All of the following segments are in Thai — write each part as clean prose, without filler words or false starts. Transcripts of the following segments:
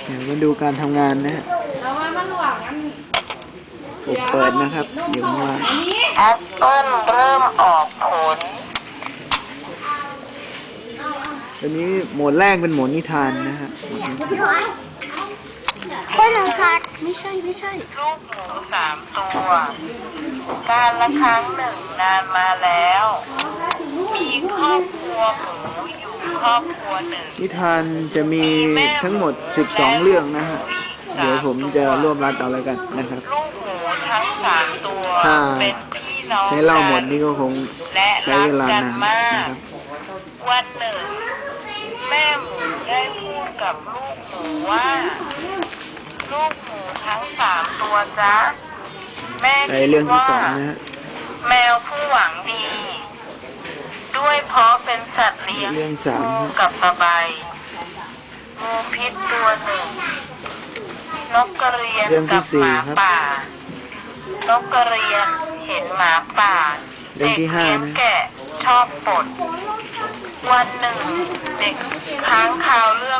เดี๋ยวมาดูการทำงานนะฮะเปิดนะครับอยู่ข้างล่างแอปเปิ้ลเริ่มออกผลตอนนี้โหมดแรกเป็นโหมดนิทานนะฮะคนหนึ่งค่ะไม่ใช่ลูกหมู3 ตัวการละครั้งหนึ่งนานมาแล้วมีครอบครัวหมูอยู่ครอบครัวหนึ่งนิทานจะมีทั้งหมด12เรื่องนะฮะเดี๋ยวผมจะรวบรัดเอาแล้วกันนะครับลูกหมูทั้ง3 ตัวเป็นพี่น้องให้เล่าหมดนี่ก็คงใช้เวลานานนะครับวันหนึ่งแม่หมูได้พูดกับลูกหมูว่าลูกหมูทั้ง3 ตัวจ๊ะแม่คิดว่าเรื่องที่2นะฮะแมวผู้หวังดีด้วยเพราะเป็นสัตว์เลี้ยงเรื่องงูกับปลาใบงูพิษตัวหนึ่งนกกระเรียนกับหมาป่านกกระเรียนเห็นหมาป่าเรื่องที่5นะแกะชอบปดวันหนึ่งเด็กค้างคาวเรื่อง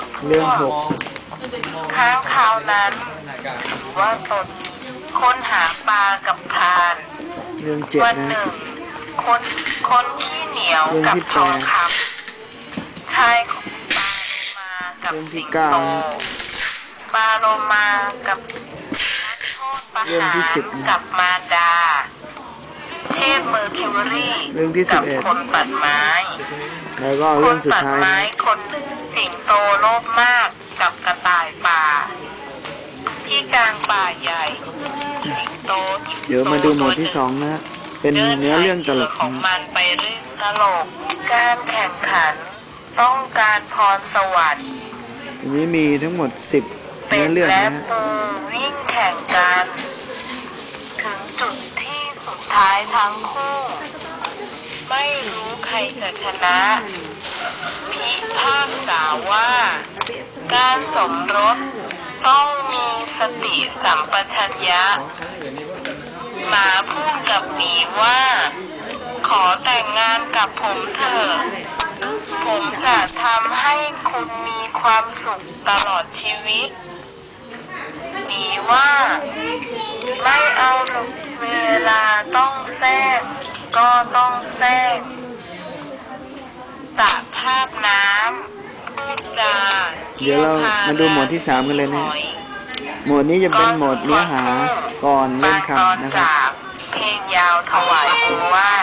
ค้างคาวนั้นถือว่าตนค้นหาปลากับพรานเรื่อง7 วันหนึ่งคนขี้เหนียวกับทองคำชายปลามากับสิงโตปลาโลมากับนักโทษประหารกับมารดาเทพเมอร์คิวรีกับคนตัดไม้แล้วก็เรื่องสุดท้ายคนตัดไม้คนหนึ่งสิงโตโลภมากกับกระต่ายป่าที่กลางป่าใหญ่สิงโตเดี๋ยวมาดูโหมดที่2นะเป็นเนื้อเรื่องตลกของมันไปเรื่องตลกการแข่งขันต้องการพรสวรรค์อันนี้มีทั้งหมด10เนื้อเรื่องนะฮะวิ่งแข่งกันถึงจุดที่สุดท้ายทั้งคู่ไม่รู้ใครจะชนะพิพากษาว่าการสมรสต้องมีสติสัมปชัญญะหมาพูดกับหมีว่าขอแต่งงานกับผมเถอะผมจะทำให้คุณมีความสุขตลอดชีวิตหมีว่าไม่เอาหรอกเวลาต้องแทรกก็ต้องแทรกสระภาพน้ำพูดจาเดี๋ยวเรามาดูโหมดที่3กันเลยนะโหมดนี้จะเป็นโหมดเนื้อหาก่อนเล่นคำนะครับเพลงยาวถวายองค์ว่า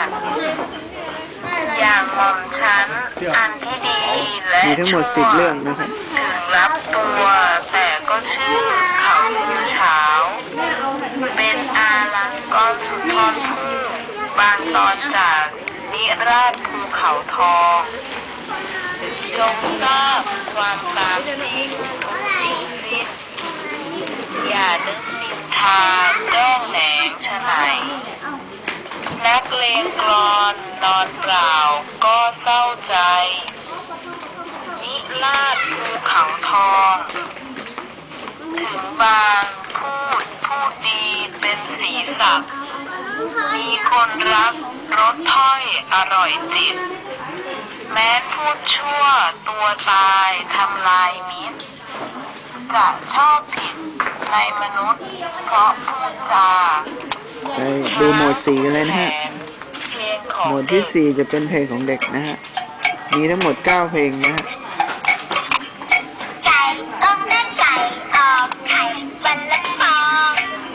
อย่างหม่อมฉันอันที่ดีและมีทั้งหมด10เรื่องนะครับถึงรับตัวแต่ก็ชื่อเขาเช้าเป็นอารักษ์ก้อนสุดทอนผู้บางตอนจากนิราศภูเขาทองจงทราบความตามจริงทุกสิ่งสิ้นอย่านึกนินทาแกล้งแหนงฉะไหนนักเลงกลอนนอนเปล่าก็เศร้าใจนิราศภูเขาทองถึงบางพูดดีเป็นสีสักมีคนรักรสถ้อยอร่อยจิตแม้พูดชั่วตัวตายทำลายมิตรจะชอบผิดในมนุษย์เพราะพูดจาไปดูโหมด4กันเลยนะฮะโหมดที่4จะเป็นเพลงของเด็กนะฮะมีทั้งหมด9เพลงนะฮะไก่ต้มเลือดไก่ออกไข่วันละฟอง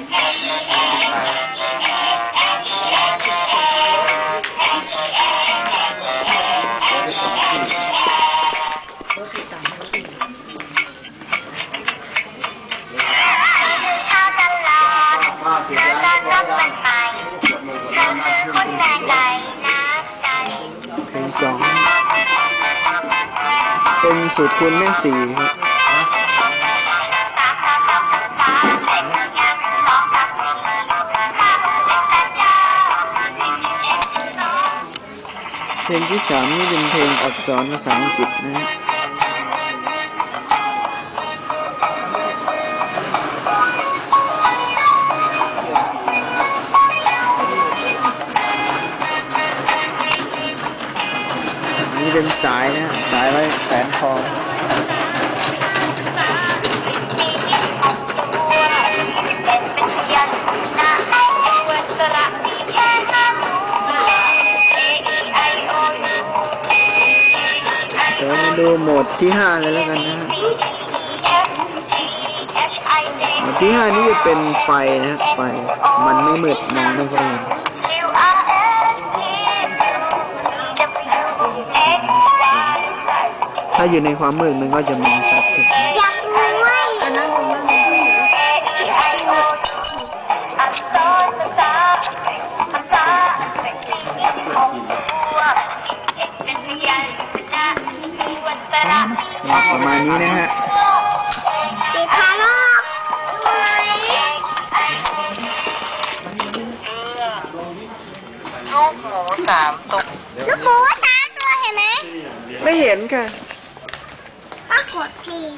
เพลง2เป็นสูตรคูณแม่4ครับเพลงที่3นี่เป็นเพลงอักษรภาษาอังกฤษนะฮะนี่เป็นสายนะสายไว้แขวนคอที่ 5เลยแล้วกันนะฮะหมวดที่ 5นี้จะเป็นไฟนะฮะไฟมันไม่มืดมองไม่ค่อยเห็นถ้าอยู่ในความมืดมันก็จะมองชัดขึ้นอยากรู้เว้ยอันนั้นรู้ว่าประมาณนี้นะฮะติดทารกลูกหมู3 ตัวลูกหมู3 ตัวเห็นไหมไม่เห็นค่ะก็กดเพลง